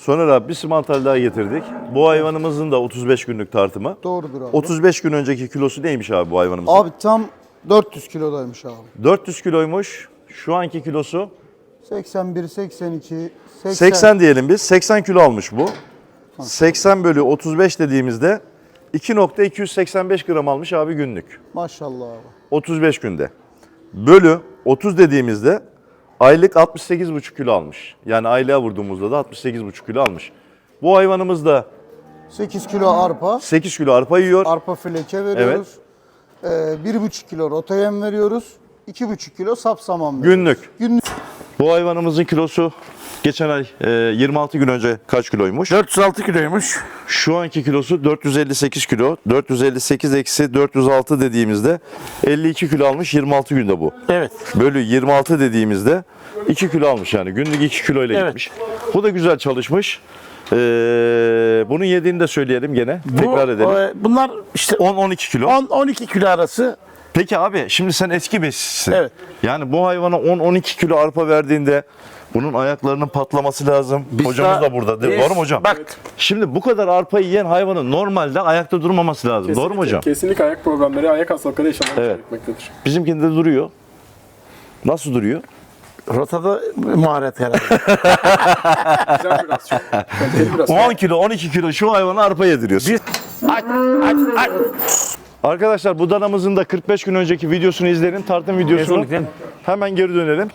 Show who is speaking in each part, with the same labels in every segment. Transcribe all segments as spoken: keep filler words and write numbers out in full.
Speaker 1: Soner abi bir simantal daha getirdik. Bu hayvanımızın da otuz beş günlük tartımı.
Speaker 2: Doğrudur abi.
Speaker 1: otuz beş gün önceki kilosu neymiş abi bu hayvanımızın?
Speaker 2: Abi tam dört yüz kilodaymış abi.
Speaker 1: dört yüz kiloymuş. Şu anki kilosu
Speaker 2: seksen bir, seksen iki, seksen.
Speaker 1: seksen diyelim biz. seksen kilo almış bu. seksen bölü otuz beş dediğimizde iki nokta iki yüz seksen beş gram almış abi günlük.
Speaker 2: Maşallah abi.
Speaker 1: otuz beş günde. Bölü otuz dediğimizde aylık altmış sekiz buçuk kilo almış. Yani aylığa vurduğumuzda da altmış sekiz buçuk kilo almış. Bu hayvanımız da
Speaker 2: sekiz kilo arpa.
Speaker 1: sekiz kilo arpa yiyor.
Speaker 2: Arpa fileke veriyoruz. Evet. Ee, bir buçuk kilo rota yem veriyoruz. iki buçuk kilo sapsaman veriyoruz.
Speaker 1: Günlük.
Speaker 2: Günlük.
Speaker 1: Bu hayvanımızın kilosu geçen ay e, yirmi altı gün önce kaç kiloymuş?
Speaker 3: dört yüz altı kiloymuş.
Speaker 1: Şu anki kilosu dört yüz elli sekiz kilo. dört yüz elli sekiz eksi dört yüz altı dediğimizde elli iki kilo almış yirmi altı günde bu.
Speaker 3: Evet.
Speaker 1: Bölü yirmi altı dediğimizde iki kilo almış yani. Günlük iki kilo ile
Speaker 3: Evet.
Speaker 1: gitmiş. Bu da güzel çalışmış. Ee, bunun yediğini de söyleyelim gene.
Speaker 3: Bu,
Speaker 1: Tekrar edelim.
Speaker 3: e, bunlar işte
Speaker 1: on on iki kilo.
Speaker 3: on on iki kilo arası.
Speaker 1: Peki abi şimdi sen eski besicisin.
Speaker 3: Evet.
Speaker 1: Yani bu hayvana on on iki kilo arpa verdiğinde bunun ayaklarının patlaması lazım.
Speaker 3: Biz
Speaker 1: Hocamız
Speaker 3: daha-
Speaker 1: da burada. Değil mi?
Speaker 3: biz-
Speaker 1: Doğru mu hocam?
Speaker 3: Bak.
Speaker 1: Şimdi bu kadar arpa yiyen hayvanın normalde ayakta durmaması lazım. Doğru mu hocam?
Speaker 4: Kesinlikle ayak problemleri, ayak hastalıkları yaşamayı
Speaker 1: Evet.
Speaker 4: gerekmektedir.
Speaker 1: Bizimkinde duruyor. Nasıl duruyor?
Speaker 3: Rotada maharet herhalde.
Speaker 4: Güzel biraz çok. Kaliteli biraz.
Speaker 1: on kilo, on iki kilo şu hayvana arpa yediriyorsun.
Speaker 3: Biz aç aç aç.
Speaker 1: Arkadaşlar bu danamızın da kırk beş gün önceki videosunu izleyin. Tartım videosunu.
Speaker 3: Kesinlikle.
Speaker 1: Hemen geri dönelim.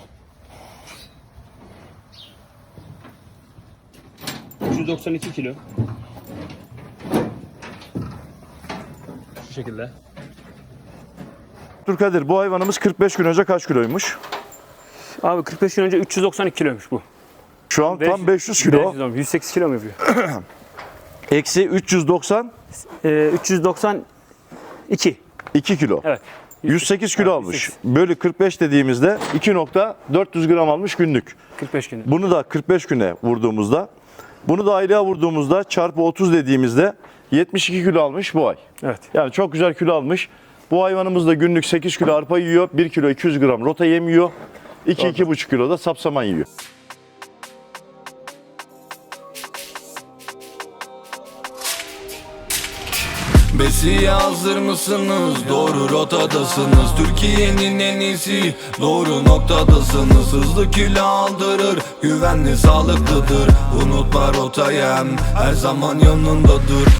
Speaker 5: üç yüz doksan iki kilo. Şu şekilde.
Speaker 1: Abdülkadir bu hayvanımız kırk beş gün önce kaç kiloymuş?
Speaker 5: Abi kırk beş gün önce üç yüz doksan iki kiloymuş bu.
Speaker 1: Şu an tam beş yüz kilo.
Speaker 5: beş yüz, yüz sekiz kilo mu yapıyor?
Speaker 1: Eksi üç yüz doksan
Speaker 5: Ee, üç yüz doksan iki.
Speaker 1: iki kilo.
Speaker 5: Evet.
Speaker 1: yüz sekiz kilo
Speaker 5: Evet,
Speaker 1: almış.
Speaker 5: yüz sekiz.
Speaker 1: Bölü kırk beş dediğimizde iki nokta dört yüz gram almış günlük.
Speaker 5: kırk beş günde.
Speaker 1: Bunu da kırk beş güne vurduğumuzda, bunu da aylığa vurduğumuzda çarpı otuz dediğimizde yetmiş iki kilo almış bu ay.
Speaker 5: Evet.
Speaker 1: Yani çok güzel kilo almış. Bu hayvanımız da günlük sekiz kilo arpa yiyor, bir kilo iki yüz gram rota yem yiyor, iki iki buçuk kilo da sapsaman yiyor.
Speaker 6: Besiye hazır mısınız? Doğru rotadasınız. Türkiye'nin en iyisi, doğru noktadasınız. Hızlı kilo aldırır, güvenli sağlıklıdır. Unutma rotayem, her zaman yanındadır.